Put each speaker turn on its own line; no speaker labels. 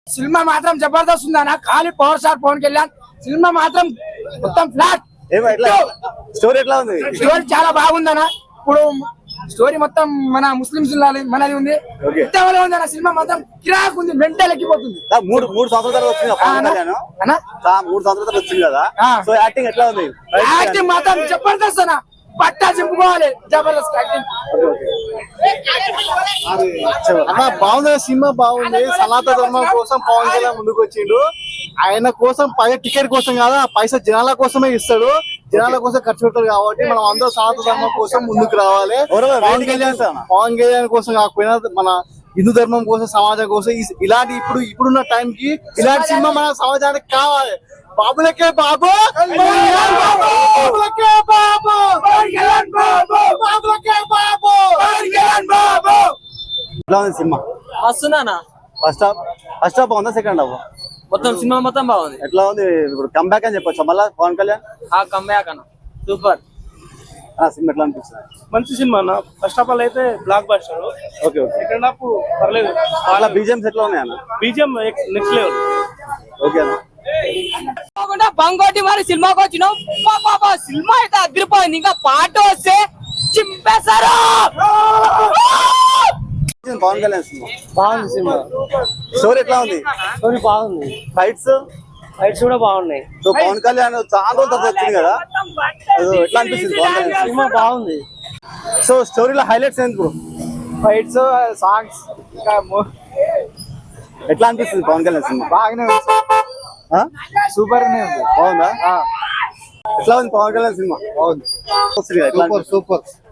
Cinema మాత్రం జబర్దస్త్ ఉందన్న. ఖాళీ పవర్ స్టార్ పవన్ కళ్యాణ్. సినిమా మాత్రం మొత్తం ఫ్లాట్.
స్టోరీ ఎట్లా ఉంది?
స్టోరీ చాలా బాగుందన్న. ఇప్పుడు స్టోరీ మొత్తం మన ముస్లింస్ మనది ఉంది. ఇంతవరకు ఉంది అన్న. సినిమా మొత్తం కిరాక్ ఉంది. మెంటల్ ఎక్కిపోతుంది.
మూడు సంవత్సరాలు వచ్చింది అన్న. 3 సంవత్సరాలు వచ్చింది కదా. సో యాక్టింగ్ ఎట్లా ఉంది?
యాక్టింగ్ మాత్రం జబర్దస్త్ అన్న. పట్టా చెప్పుకోవాలి. జబర్దస్త్ యాక్టింగ్
అన్న. బాగుంది సినిమా, బాగుంది. సనాతన ధర్మం కోసం పవన్ కళ్యాణ్ ముందుకు వచ్చిండు. ఆయన కోసం టికెట్ కోసం కాదా, పైసా జనాల కోసమే ఇస్తాడు. జనాల కోసం ఖర్చు పెడతాడు. కాబట్టి మనం అందరూ సనాతన ధర్మం కోసం ముందుకు రావాలి. పవన్ కళ్యాణ్ కోసం కాకపోయినా మన హిందూ ధర్మం కోసం, సమాజం కోసం ఇలాంటి ఇప్పుడున్న టైం కి ఇలాంటి సినిమా మన సమాజానికి కావాలి. బాబులకే బాబు, బాబులకే బాబు, బాబులకే బాబు.
ఎట్లా ఉంది సినిమా?
వస్తున్నానా?
ఫస్ట్ హాఫ్ బాగుందా? Second half?
మొత్తం సినిమా మొత్తం బాగుంది.
ఎట్లా ఉంది? ఇప్పుడు కంబ్యాక్ అని చెప్పొచ్చు మళ్ళా పవన్ కళ్యాణ్.
కంబ్యాక్ అన్న సూపర్.
సినిమా ఎట్లా అనిపిస్తుంది?
మంచి సినిమా అన్న. ఫస్ట్ ఆఫ్ ఆల్ అయితే blockbuster.
Okay okay.
Second half పర్లేదు.
అలా బీజిఎంస్ ఎట్లా ఉన్నాయి అన్న?
BGM next level.
ఓకే అన్న.
బంగోటి మరి సినిమాకి వచ్చినాం. సినిమా అయితే అదిరిపోయింది. ఇంకా పాట వస్తే చింపేశారు.
పవన్ కళ్యాణ్ సినిమా
బాగుంది. సినిమా
స్టోరీ ఎట్లా ఉంది?
స్టోరీ బాగుంది.
ఫైట్స్
కూడా బాగున్నాయి.
సో పవన్ కళ్యాణ్ చాలా రోజుల తర్వాత వచ్చింది కదా. ఎట్లా అనిపిస్తుంది పవన్ కళ్యాణ్
సినిమా? బాగుంది.
సో స్టోరీలో హైలైట్స్ ఏంటి బ్రో?
ఫైట్స్, సాంగ్స్, ఇంకా
ఎట్లా అనిపిస్తుంది పవన్ కళ్యాణ్ సినిమా?
బాగానే ఉంది. సూపర్ గా ఉంది.
బాగుందా? ఎట్లా ఉంది పవన్ కళ్యాణ్ సినిమా?
బాగుంది.
ఎట్లా
సూపర్.